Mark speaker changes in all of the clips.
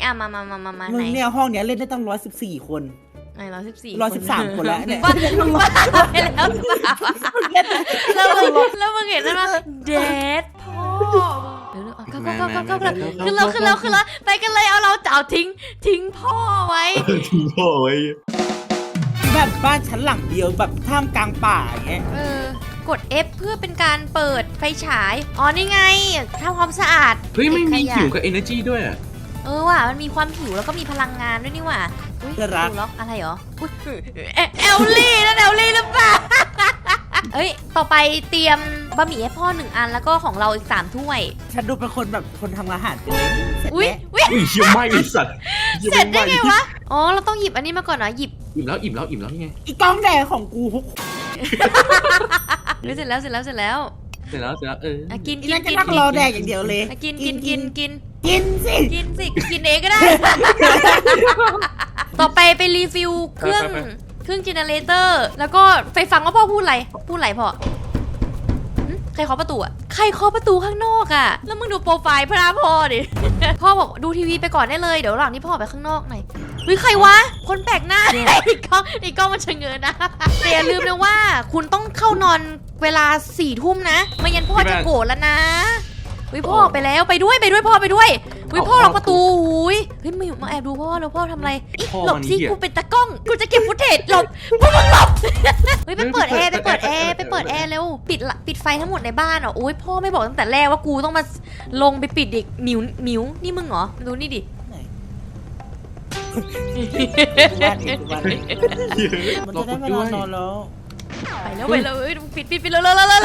Speaker 1: อ่ะมา
Speaker 2: มึ
Speaker 1: ไหน
Speaker 2: งเนี่ยห้องเนี้ยเล่นได้ตั้ง114 คน
Speaker 1: ไหน114
Speaker 2: 113 คนแล้วเนี่ย
Speaker 1: บ้าไปแล้วหรือเปล่าแล้วมึงเห็นนั่นว่าเดดพ่อเดี๋ยวก็ขึ้นแล้วไปกันเลยเอาเราเจ้าทิ้งพ่อไว้
Speaker 3: ทิ้งพ่อไว้
Speaker 2: แบบบ้านชั้นหลังเดียวแบบท่ามกลางป่าอย่างเงี้ย
Speaker 1: กด F เพื่อเป็นการเปิดไฟฉายอ๋อนี่ไงทำความสะอาด
Speaker 3: เฮ้ยไม่มีหิวกับ energy ด้วยอ่ะ
Speaker 1: ว่ะมันมีความหิวแล้วก็มีพลังงานด้วยนี่ว่ะอุ้ยดูล็อกอะไรเหรอเอลลี่นั่นเอลลี่หรือเปล่าเอ้ยต่อไปเตรียมบะหมี่ให้พ่อ1 อันแล้วก็ของเราอีก3 ถ้วย
Speaker 2: ฉันดูเป็นคนแบบคนทำอาหารเป็นเลยเสร็จ
Speaker 1: อุ้ย
Speaker 2: แล้ว
Speaker 3: อุ้ยเชี่ยวไหม้ไอ้สัตว์
Speaker 1: เสร็จได้ไงวะอ๋อเราต้องหยิบอันนี้มาก่อนเหรอหยิบ
Speaker 3: อิ่มแล้วนี่ไง
Speaker 2: อีกล้องแดงของกูทุก
Speaker 1: เสร็จแล้ว
Speaker 3: เสร็จแล้ว
Speaker 1: กิน
Speaker 2: อีนั่นก็นั่งรอแดกอย่างเดียวเลย
Speaker 1: กินสิ กินเองก็ได้ ต่อไปรีฟิลเครื่องเจเนเรเตอร์แล้วก็ไปฟังว่าพ่อพูดอะไรพ่อใครเคาะประตูอ่ะใครเคาะประตูข้างนอกอ่ะแล้วมึงดูโปรไฟล์พระพ่อดิ พ่อบอกดูทีวีไปก่อนได้เลยเดี๋ยวหลังที่พ่อไปข้างนอกหน่อยเฮ้ยใครวะคนแปลกหน้าอีกกล้องมันชะเงินนะแต่อย่าลืมนะว่าคุณต้องเข้านอนเวลา4 ทุ่มนะไม่งั้นพ่อจะโกรธแล้วนะพ่อไปแล้วไปด้วยพ่อไปด้วยพ่อล็อกประตูเฮ้ยมาแอบดูพ่อแล้วพ่อทำอะไรหลบสิกูเป็นตากล้องกูจะเก็บฟุตเทจหลบพวกมึงหลบไปเปิดแอร์เร็วปิดไฟทั้งหมดในบ้านเหรอโอ้ยพ่อไม่บอกตั้งแต่แรกว่ากูต้องมาลงไปปิดอีกหมิวนี่มึงเหรอดูนี่ดิ
Speaker 2: มันจะได้เวลานอนแล้ว
Speaker 1: ไปแล้วปิดเร็ว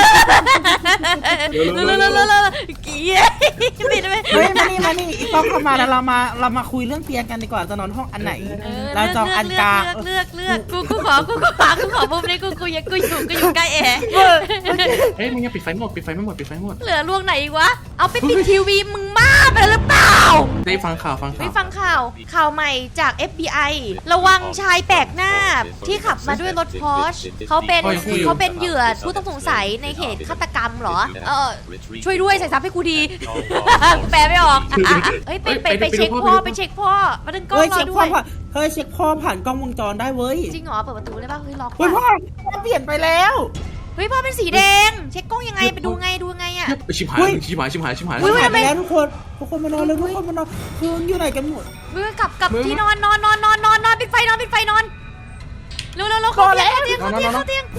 Speaker 1: เกียปิดไป
Speaker 2: เฮ้ยมานี่อีกล้องเข้ามาแล้วเรามาคุยเรื่องเตียงกันดีกว่าจะนอนห้องอันไหนเราจองอันกลาง
Speaker 1: เลือกกูขอมุมนี้กูอยู่ใกล้แอร์
Speaker 3: เฮ้ยมึงยังปิดไฟหมด
Speaker 1: เหลือล่วงไหนอีกวะเอาไปปิดทีวีมึงบ้าไปหรือเปล่า
Speaker 3: ได้ฟังข่าว
Speaker 1: ไม่ฟังข่าวใหม่จาก FBI ระวังชายแปลกหน้าที่ขับมาด้วยรถพอร์ชเขาเป็นเหยื่อผู้ต้องสงสัยในเหตุฆาตกรรมเหรอช่วยด้วยใส่ซับให้กูดีแปลไม่ออกเฮ้ยไปเช็คพ่อมาดึงกล้องรอด้วย
Speaker 2: เช็คพ่อผ่านกล้องวงจรได้เว้ย
Speaker 1: จริงเหรอเปิดประตูได้ป่ะเฮ้ยล็อก
Speaker 2: พ่อเปลี่ยนไปแล้ว
Speaker 1: เฮ้ยพ่อเป็นสีแดงเช็คกล้องยังไงไปดูไงอ่ะ
Speaker 3: ชิบหาย
Speaker 2: ไปแล้วทุกคนมานอนเลยทุกคนมานอนคืนอยู่ไหนกันหมด
Speaker 1: กลับที่นอนปิดไฟนอนเร็วเข้าเตียง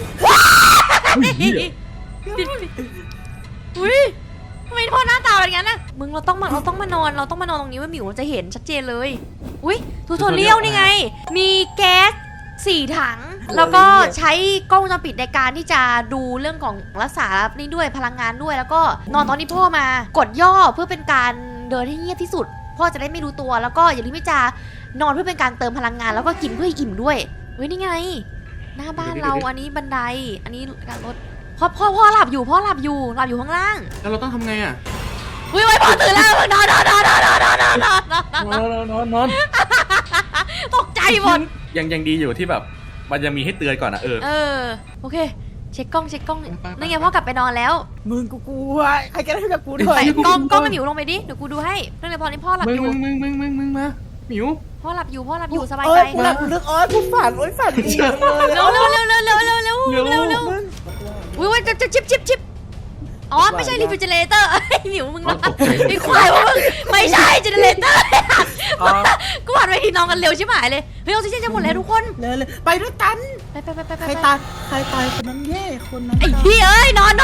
Speaker 1: อุ้ยทำไมพ่อหน้าตาแบบนั้นน่ะมึงเราต้องมานอนตรงนี้ว่าหมิวจะเห็นชัดเจนเลยอุ้ยทูทอเรียลนี่ไงมีแก๊ส4 ถังแล้วก็ใช้กล้องวงจรปิดในการที่จะดูเรื่องของรักษานี่ด้วยพลังงานด้วยแล้วก็นอนตอนที่พ่อมากดย่อเพื่อเป็นการเดินให้เงียบที่สุดพ่อจะได้ไม่รู้ตัวแล้วก็อย่าลืมที่จะนอนเพื่อเป็นการเติมพลังงานแล้วก็กินเพื่ออิ่มด้วยเฮ้ยนี่ไงหน้าบ้านเราอันนี้บันไดอันนี้การรถพ่อหลับอยู่ข้างล่าง
Speaker 3: แล้วเราต้องทำไงอ่ะ
Speaker 1: อุ้ยพ่อตื่นแล้วนอนตกใจหมด
Speaker 3: ยังดีอยู่ที่แบบมันยังมีให้เตือนก่อนนะ
Speaker 1: โอเคเช็คกล้องนั่นไงพ่อกลับไปนอนแล้ว
Speaker 2: มึงกูกลัวใครจะได้กับกูด้วย
Speaker 1: ใส่กล้องหมิวลงไปดิเดี๋ยวกูดูให้นั่นเลยพอนี่พ่อหลับอยู่
Speaker 3: มึงมาหมิว
Speaker 1: พ่อหลับอยู่สบายใจ
Speaker 2: กูหลับลึกกูฝันจริงเลย
Speaker 1: เร็วอุ้ยจะชิปอ๋อไม่ใช่รีฟิวเจเลเตอร์หมิวมึงนะไอ้ควายมึงไม่ใช่เจเนเรเตอร์กูหันไปทีน้องกันเร็วชิบหายเลยเฮ้ยออกซิเจนจะหมดแล้วทุกคน
Speaker 2: เลยไปด้วยกัน
Speaker 1: ไป
Speaker 2: ใครตายคนนั้นแย่คนนั้น
Speaker 1: ไอ้พี่เอ้ยนอน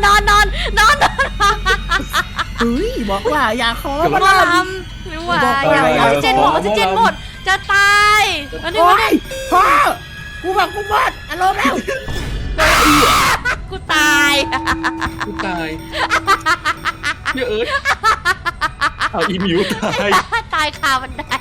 Speaker 2: เฮ้ยบอกว่าอย่าขอ
Speaker 1: มาทำไม่ว่าอย่าออกซิเจนหมดจะตาย
Speaker 2: วันนี้พ่อกูบอกกูหมดอารมณ์แล้ว
Speaker 1: กูตาย
Speaker 3: เยอะเอาอีมิว
Speaker 1: ตายคาบันได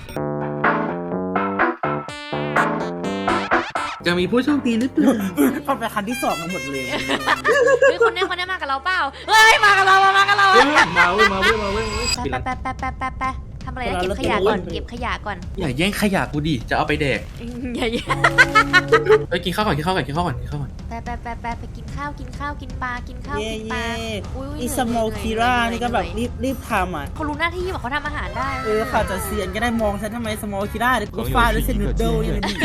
Speaker 3: จะมีผู้โชคดีหรือเปล่า
Speaker 2: พอไปคันที่2กันหมดเลย
Speaker 1: เฮ้ยคนนี้มากับเราเปล่าเฮ้ยมากับเรา
Speaker 3: มาเว้ย
Speaker 1: ไปทำอะไรนะเก็บขยะก่อนเก็บขยะก่อน
Speaker 3: อย่าแย่งขยะกูดิจะเอาไปแดก
Speaker 1: อย่า
Speaker 3: ไปกินข้าวก่อนกินข้าวก่อนกินข้าวก่อนกินข้าวก่อน
Speaker 1: ไปกินข้าวกินข้าวกินปลากินข้าว
Speaker 2: เย่
Speaker 1: กินปลา
Speaker 2: เย่
Speaker 1: อุ้ย
Speaker 2: อีสโมคิร่านี่ก็แบบรีบทำอ่ะ
Speaker 1: เขารู้หน้าที่ว่าเขาทำอาหารได้
Speaker 2: เขาจะเซียนก็ได้มองฉันทำไมสโมคิร่าเดี๋ยวกูฟาดด้วยเซนูโดยังมี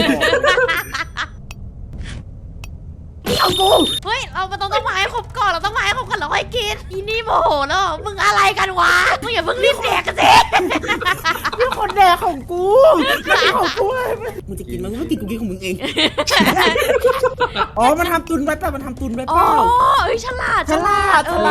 Speaker 2: เอากู
Speaker 1: เฮ้ยเราต้องมาให้ครบก่อนเราต้องมาให้ครบก่อนเราค่อยกินอีนี่โมโหแล้วมึงอะไรกันวะมึงอย่าเพิ่งรีบแดกกันสิ
Speaker 2: นี่คนแดกของกูของกูมึงจะกินมั้งไม่กินกูกินของมึงเองอ๋อมันทำตุนไว้ป่ะมันทำตุนไว้
Speaker 1: อ๋อ
Speaker 2: เปล่า
Speaker 1: เอ้ยฉลาด
Speaker 2: ฉลาด
Speaker 1: เออ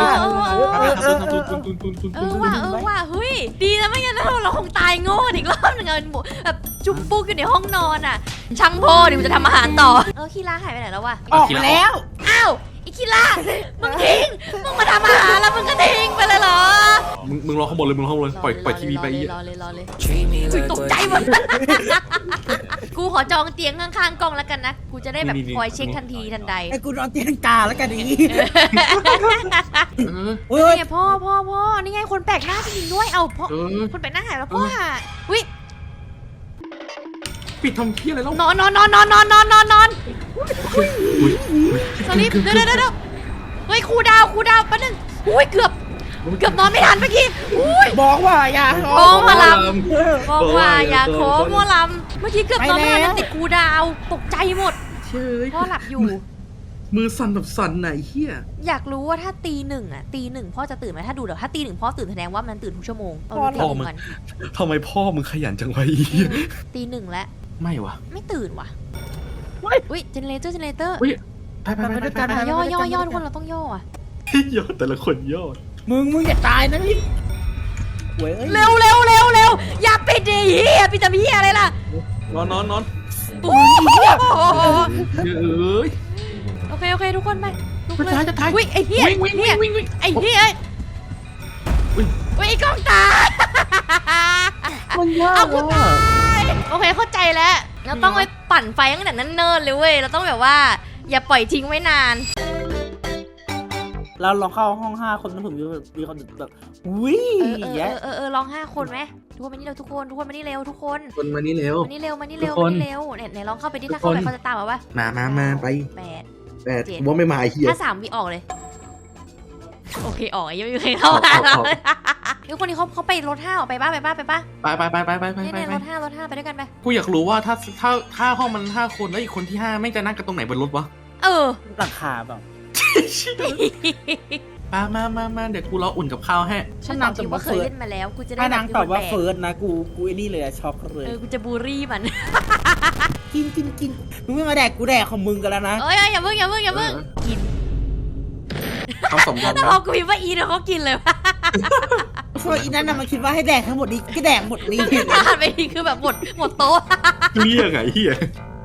Speaker 1: ว่าเฮ้ยดีนะไม่งั้นเราคงตายโง่อีกรอบหนึ่งแบบจุ่มปุ๊กอยู่ในห้องนอนอ่ะช่างพ่อเดี๋ยวจะทำอาหารต่อคีร่าหายไปไหนแล้ววะ
Speaker 2: ออกมาแล้ว
Speaker 1: อ้าวอีคีร่ามึงทิ้งมึงมาทำอาหารแล้วมึงก็ทิ้งไปเลยเหรอ
Speaker 3: มึงรอข้างบนเลยมึงรอข้างบนเลยปล่อยทีวีไป
Speaker 1: รอเลยตกใจหมดกูขอจองเตียงข้างๆกล้องแล้วกันนะกูจะได้แบบคอยเช็คทันทีทันใด
Speaker 2: ไอ้กูนอนเตียงกาแล้วกันนี้
Speaker 3: เออ
Speaker 1: นี่ไงพ่อนี่ไงคนแปลกหน้าจริงๆด้วยเอาพ่อ
Speaker 3: เออ
Speaker 1: คนแปลกหน้าหายแล้วพ่อวิ
Speaker 3: ปิดทำเพี้ยอะไรแล้ว
Speaker 1: นอนสลิปเดี๋ยวเฮ้ยครูดาวแป๊บนึงอุ้ยเกือบนอนไม่ทันเมื่อกี้อุ้ย
Speaker 2: บอกว่าอย่า
Speaker 1: โอ้มาลำบอกว่าอย่าขอมัวลำเมื่อกี้เกือบนอนไม่ทันแล้วติดครูดาวตกใจหมด
Speaker 3: เชื่อ
Speaker 1: พ่อหลับอยู่
Speaker 3: มือสั่นแบบสั่นไหนเฮีย
Speaker 1: อยากรู้ว่าถ้าตีหนึ่งพ่อจะตื่นไหมถ้าดูเดี๋ยวถ้าตีหนึ่งพ่อตื่นแสดงว่ามันตื่นทุกชั่วโมงเอาตีหนึ่งกัน
Speaker 3: ทำไมพ่อมึงขยันจังวะอี
Speaker 1: ตีหนึ่งแล้ว
Speaker 3: ไม่วะ
Speaker 1: ไม่ตื่นว่ะอุ้ยเจเนเรเตอร์
Speaker 3: อุ้ยไป
Speaker 1: ย่อทุกคนเราต้องย่ออ่ะ
Speaker 3: ยอดแต่ละคนยอด
Speaker 2: มึงอย่าตายนะพี่เว้ย
Speaker 1: เร็วอย่าปิดดิเฮียปิดทำเฮียอะไรล่ะ
Speaker 3: นอน
Speaker 1: โอ้โห
Speaker 3: เอ้ย
Speaker 1: โอเคทุกคนไปลุกเลย
Speaker 3: จะตาย
Speaker 1: อุ้ยไอ้เฮีย
Speaker 3: วิ่ง
Speaker 1: ไอ้เฮียอุ้ยไอ้กล้องตา
Speaker 2: มันยาก
Speaker 1: เอากูตายโอเคเข้าใจแล้วเราต้องไปปั่นไฟตั้งแต่นั้นเนิ่นเลยเว้ยเราต้องแบบว่าอย่าปล่อยทิ้งไว้นาน
Speaker 2: เราลองเข้าห้อง5 คนนั้นผมมีคนแบบอุ้ย
Speaker 1: ลอง5 คนไหมทุกคนมานี่เร็วทุกคนมานี่เร็วทุกคน
Speaker 3: คนมานี่เร็ว
Speaker 1: เนี่ยไหนลองเข้าไปดิถ้าเข้าไปเขาจะตามมาปะ
Speaker 3: มาไป
Speaker 1: 8
Speaker 3: ว่าไม่มาไอ้เหี้ย
Speaker 1: ถ้า3วิออกเลยโอเคออกยังไม่มีใครเข้ามาแล้วทุกคนนี้เขาไปรถ5ออกไปป้าไป
Speaker 3: ไป
Speaker 1: เนี่ยรถ5ไปด้วยกันไป
Speaker 3: กูอยากรู้ว่าถ้าห้องมัน5 คนแล้วอีกคนที่5ไม่จะนั่งกันตรงไหนบนรถวะ
Speaker 2: หลังคาเปล่า
Speaker 3: มาเดี๋ยวกูรออุ่นกับข้าวให้
Speaker 1: ฉันตอบคิดว่าเคยเล่นมาแล้วกูจะได้
Speaker 2: ถ้านางตอบว่าเฟิร์สนะกูไอ้นี่เลยช็อกเลย
Speaker 1: กูจะบูรี่มัน
Speaker 2: กินมึงไม่มาแดกกูแดกของมึงกันแล้วนะ
Speaker 1: เอ้ยอย่าเพิ่งกิน
Speaker 3: คำสมบัติ
Speaker 1: แต่พอกูพิมพ์ว่าอีเนี่ยเขากินเลยว่ะ
Speaker 2: ช่วยอีนั่นน่ะมันคิดว่าให้แดกทั้งหมดนี้ก็แดกหมดนี้
Speaker 1: ถ้าหันไปทีคือแบบหมดโต๊ะ
Speaker 3: เรียกไงเฮีย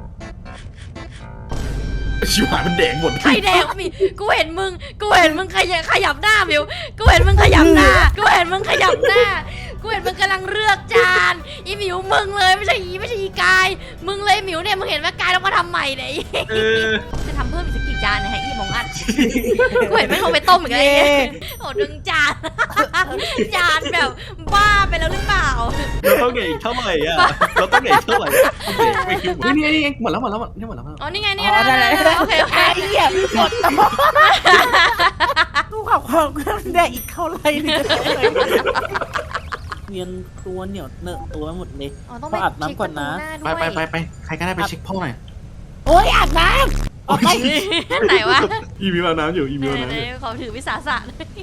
Speaker 3: ชิวหายมันแดงหมด
Speaker 1: ใครแดงมีกูเห็นมึงขยับหน้ามิวกูเห็นมึงขยับหน้ากูเห็นมึงกำลังเลือกจานอีมิวมึงเลยไม่ใช่อีกายมึงเลยมิวเนี่ยมึงเห็นว่ากายต้องมาทำใหม่เนี่ยจะทำเพิ่มอีกสักกี่จานเนี่ยให้อีมองอัดกูเห็นไม่เขาไปต้มอีกแล้วโอ้ดึงจานแบบบ้าไปแล้วหรือเปล่า
Speaker 3: เราต้องเหนื่อยอีกเท่าไหร่อ่ะเราต้องเหนื่อยเท่าไหร่ไม่คิดนี่หมดแล้ว
Speaker 1: อ๋อนี่ไง โอเค
Speaker 2: ไอ้เหี้ยหมดตัวกูขับความแดกอีกเท่าไรเนี่ยเนียนตัวเหนียวเนอะตัวหมดเลย
Speaker 1: ต้องไปอาบน้ำก่อนนะ
Speaker 3: ไปใครก็ได้ไปเช็คพ่อหน่อย
Speaker 2: โอ๊ยอาบน้ำออกไป
Speaker 1: ไหนวะ
Speaker 3: อีมีน้ำอยู่
Speaker 1: ขอถือวิสาสะ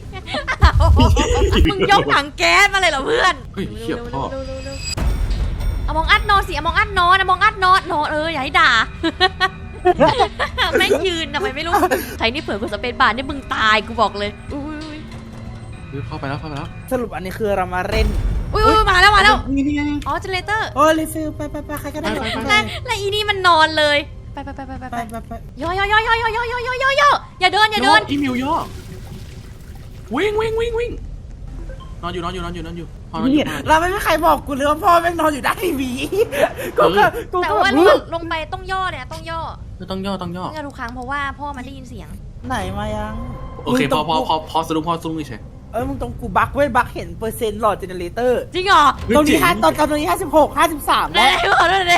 Speaker 1: มึงยกถังแก๊สมาเลยเหรอเพื่อน
Speaker 3: เฮ้ยเชี่ยพ่อ
Speaker 1: เอามองอัดนอนสิเอามองอัดนอนอย่าให้ด่าแม่งยืนทำไมไม่รู้ใครนี่เผื่อกดสเปซบาร์นี่มึงตายกูบอกเลย
Speaker 3: เข้าไปแล้ว
Speaker 2: สรุปอันนี้คือเรามาเล่น
Speaker 1: มาแล้ว
Speaker 3: นี่
Speaker 1: อ๋อเจเนเรเตอร์
Speaker 2: โอ้รีฟิลไปใครก็ได้
Speaker 1: แล้วอีนี่มันนอนเลยไปย่อย่าเดิน
Speaker 3: อีมิวย่อวิ่งนอนอยู่
Speaker 2: เราไม่มีใครบอกกูเลยว่าพ่อแม่งนอนอยู่ด้านทีวีกู
Speaker 1: แต่ว่าลงไปต้องย่อเนี่ยต้องย่อ
Speaker 3: ต้องย่อ
Speaker 1: ทุกครั้งเพราะว่าพ่อมันได้ยินเสียง
Speaker 2: ไหนมายัง
Speaker 3: โอเคพอสรุปเฉย
Speaker 2: มึงตรงกูบักเว้ยบักเห็นเปอร์เซ็นต์หลอดเจเนเรเตอร์
Speaker 1: จริงเหรอ
Speaker 2: ตรงนี้ตรงนี้56 53
Speaker 1: ไหน
Speaker 2: แล้ว
Speaker 1: บอกด้วยเลย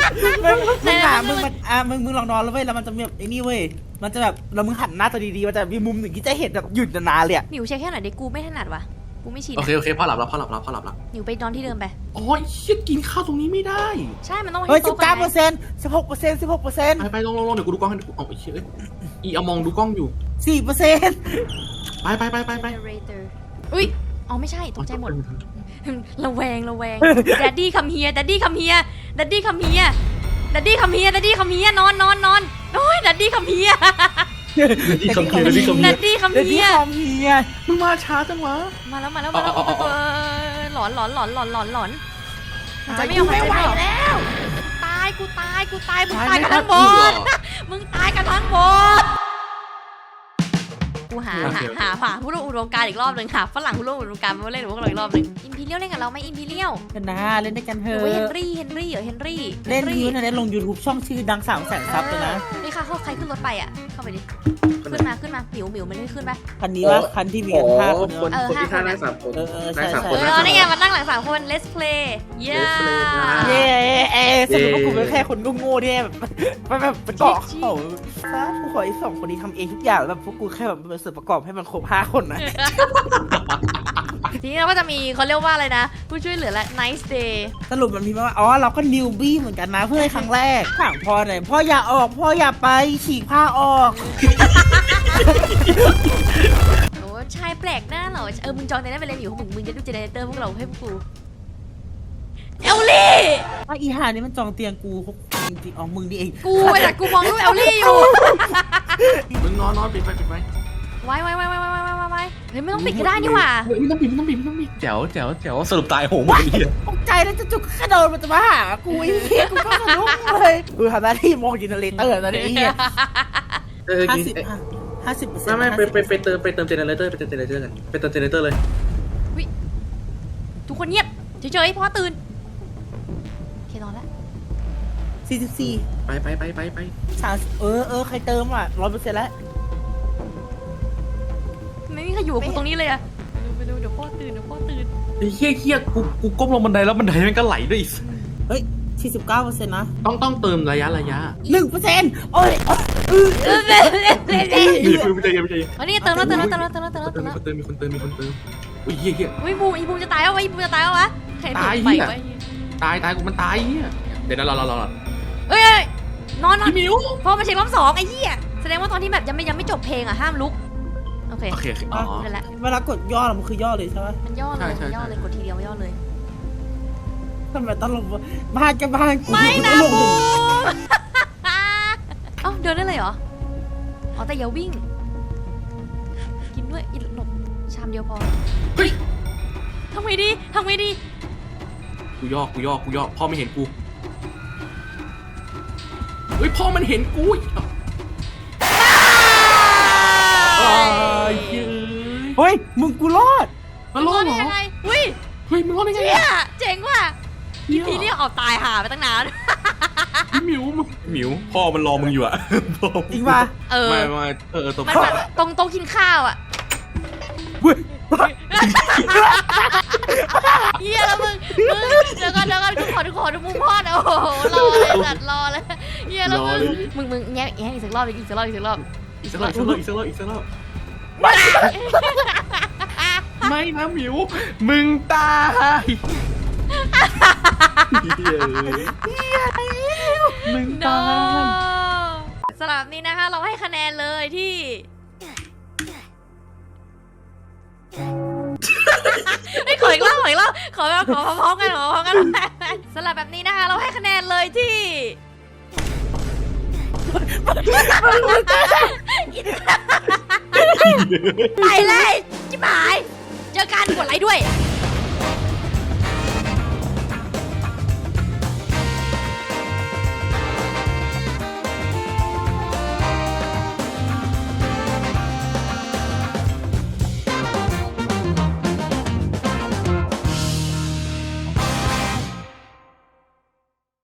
Speaker 2: มึงลองนอนแล้วเว้ยแล้วมันจะมีแบบไอ้นี่เว้ยมันจะแบบแล้วมึงหันหน้าตัวดีๆมันจะมีมุมหนึ่งที่จะเห็นแบบหยุดนานๆเลยอะ
Speaker 1: หมิวเช็คแค่หน่อยเด็กกูไม่ถนัดว่ะกูไม่ชิน
Speaker 3: โอเคพ่อหลับแล้วพ่อหลับแล้ว
Speaker 1: หมิวไปนอนที่เดิมไป
Speaker 3: โอ้ยเชี่ยกินข้าวตรงนี้ไม่ได้
Speaker 1: ใช่มันต้อง
Speaker 2: เฮ้ย
Speaker 1: ให้โต๊ะก่อนไง
Speaker 2: 19% 16%
Speaker 3: ไปลงเดี๋ยวกูดูกล้องให้ดูเอาไอ้เชี่ยอีเอามองดูกล้องอยู่
Speaker 2: 4%
Speaker 3: ไป
Speaker 1: Generator อุ้ยอ๋อไม่ใช่ตกใจหมดระแวง Daddy come here Daddy come here Daddy come here Daddy come here Daddy come here นอนโอ้ย Daddy come here
Speaker 3: นี่คำเพีย
Speaker 1: Daddy come
Speaker 2: เดี๋ยว
Speaker 1: here
Speaker 2: ที่คอมเฮีย
Speaker 3: มึงมาช้าจังวะ
Speaker 1: มาแล้วหลอนมันจะไม่ยอมหายใจไม่ออกแล้วตายกูตายมึงตายกันทั้งหมดมึงตายกันทั้งหมดกูหาผู้ร่วมอุดมการณ์อีกรอบหนึ่งหาฝรั่งผู้ร่วมอุดมการณ์มาเล่นกับพวกเราอีกรอบหนึ่งอิมพีเรียลเล่นกับเราไหมอิมพีเรียล
Speaker 2: กันนะเล่นด้วยกันเถ
Speaker 1: หรือ
Speaker 2: อะ
Speaker 1: ว่าเฮนรี่เหรอเฮนรี่
Speaker 2: เล่นยูนะเล่นลง YouTube ช่องชื่อดัง300,000 ซับเลยนะ
Speaker 1: นี่ค่ะใครขึ้นรถไปอ่ะเข้าไปดิขึ้นมาหมิวมันไม่ขึ้นปะ
Speaker 2: คันนี้ว่าคันที่มีกัน5 คน
Speaker 3: คนที่ฆ่าได้3 คน
Speaker 2: ใช่
Speaker 1: นี่ไงมันนั่งหลัง3 คน let's play
Speaker 2: เย้สรุปว่ากูเป็นแค่คนโง่ๆที่แบบประกอบเขาฟ้าผู้ขอไอ้2 คนนี้ทำเองทุกอย่างแบบพวกกูแค่แบบเป็นส่วนประกอบให้มันครบ5 คนนะ
Speaker 1: ทีนี้เราก็จะมีเขาเรียกว่าอะไรนะผู้ช่วยเหลือและ nice day
Speaker 2: สรุปมันมีมาว่าอ๋อเราก็นิวบี้เหมือนกันนะเพื่อให้ครั้งแรกถามพ่อหน่อยพ่ออย่าออกพ่ออย่าไปฉีกผ้าออก
Speaker 1: โอ้ชายแปลกหน้าเหรอมึงจองในนั้นไปเลยอยู่มึงจะดูเจเนเรเตอร์พวกเราให้พวกกูเอลลี่
Speaker 2: ว่าอีห่านี่มันจองเตียงกูจริงๆอ๋อมึงนี่เอง
Speaker 1: กูแต่กูมองรูปเอลลี่อยู่
Speaker 3: มึงนอนปิดไฟ
Speaker 1: ไว้เฮ้ยไม่ต้องปิดก็ได้นี่หว่า
Speaker 3: ไม่ต้องปิดแจ๋วสรุปตายโหงหมดเลย
Speaker 2: ตกใจแล้วจะจุกกระโดดมันจะมาหากูไอ้เหี้ยกูก็สะดุ้งเลยกูทำหน้าที่มองจินเนอเรเตอร์ตอนนี้ไอ้เหี้ย50%
Speaker 3: ไม่ไปเติมเจเนเรเตอร์กันไปเติมเจเนเรเตอร์เลย
Speaker 1: ทุกคนเงียบเฉยๆเพราะตื่นโอเคนอนแล้ว
Speaker 2: 44
Speaker 3: ไป
Speaker 2: 30ใครเติมอ่ะ 100% แล้ว
Speaker 1: ไม่มีใครอยู่กับกูตรงนี้เลยอะไปดูเดี๋ยวพ่อตื่น
Speaker 3: ไอ้เหี้ยกูก้มลงบันไดแล้วบันไดมันก็ไหลด้วย
Speaker 2: เฮ้ย 49% นะ
Speaker 3: ต้องเติมระยะ
Speaker 2: 1%โอ้ย
Speaker 3: ไม่ใจเย็น
Speaker 1: อันนี้เติมแล้ว
Speaker 3: มีคนเติมอุ้ยเหี้ย
Speaker 1: อุ้ยอีบูมจะตายแล้ววะใคร
Speaker 3: ตาย
Speaker 1: ไป
Speaker 3: เหี้ย
Speaker 1: ไว้
Speaker 3: ตายกูมันตายเหี้ยเดี๋ยวนะรอ
Speaker 1: เอ้ยนอน
Speaker 3: พี่มิว
Speaker 1: พอมาเช็ครอบ2ไอ้เหี้ยแสดงว่าตอนที่แบบยังไม่จบเพลงอะห้ามลุกโอเค
Speaker 3: อ๋อ
Speaker 1: นั่นแหละ
Speaker 2: เวลากดย่อมันคือย่อเลยใช่ไหม
Speaker 1: มันย่อเลยกดทีเดียวย่อเลย
Speaker 2: ทำไมต้องลงบ้านกับบ้านกู
Speaker 1: ไม่นะ
Speaker 2: ลง
Speaker 1: บูเอ้าเดินได้เลยเหรออ๋อแต่อย่าวิ่งกินด้วยหลบชามเดียวพอ
Speaker 3: เฮ้ย
Speaker 1: ทำไงดี
Speaker 3: กูย่อพ่อไม่เห็นกูเฮ้ยพ่อมันเห็นกู
Speaker 2: เฮ้ย มึงกูรอด
Speaker 3: มันรอดเหรอ
Speaker 1: ยังไงอุ้ย
Speaker 3: เฮ้ยมันรอดได้ไง
Speaker 1: เจี๊ยเจ๋งว่ะพี่เรียกออกตายหาไปตั้งนาน
Speaker 3: หมิวพ่อมันรอมึงอยู่อะ
Speaker 2: จริงป่ะ
Speaker 3: ไม่ตัว
Speaker 1: มันแบบตรงกินข้าวอ่ะ
Speaker 2: เฮ้ย
Speaker 1: เฮียแล้วมึงเดี๋ยวก่อนกูขอดูมุมพ่อนะโอ้โหรอเลยเฮียแล้วมึงแง่อีกสักรอบอีกสักรอบ
Speaker 3: อีกสักรอบไม่นะหมิวมึงตายมึงตาย
Speaker 1: สำหรับนี้นะคะเราให้คะแนนเลยที่ขออีกรอบขอพร้อมกันสำหรับแบบนี้นะคะเราให้คะแนนเลยที่ไปเลยจิ๋มหายเจอกันกดไลค์ด้วย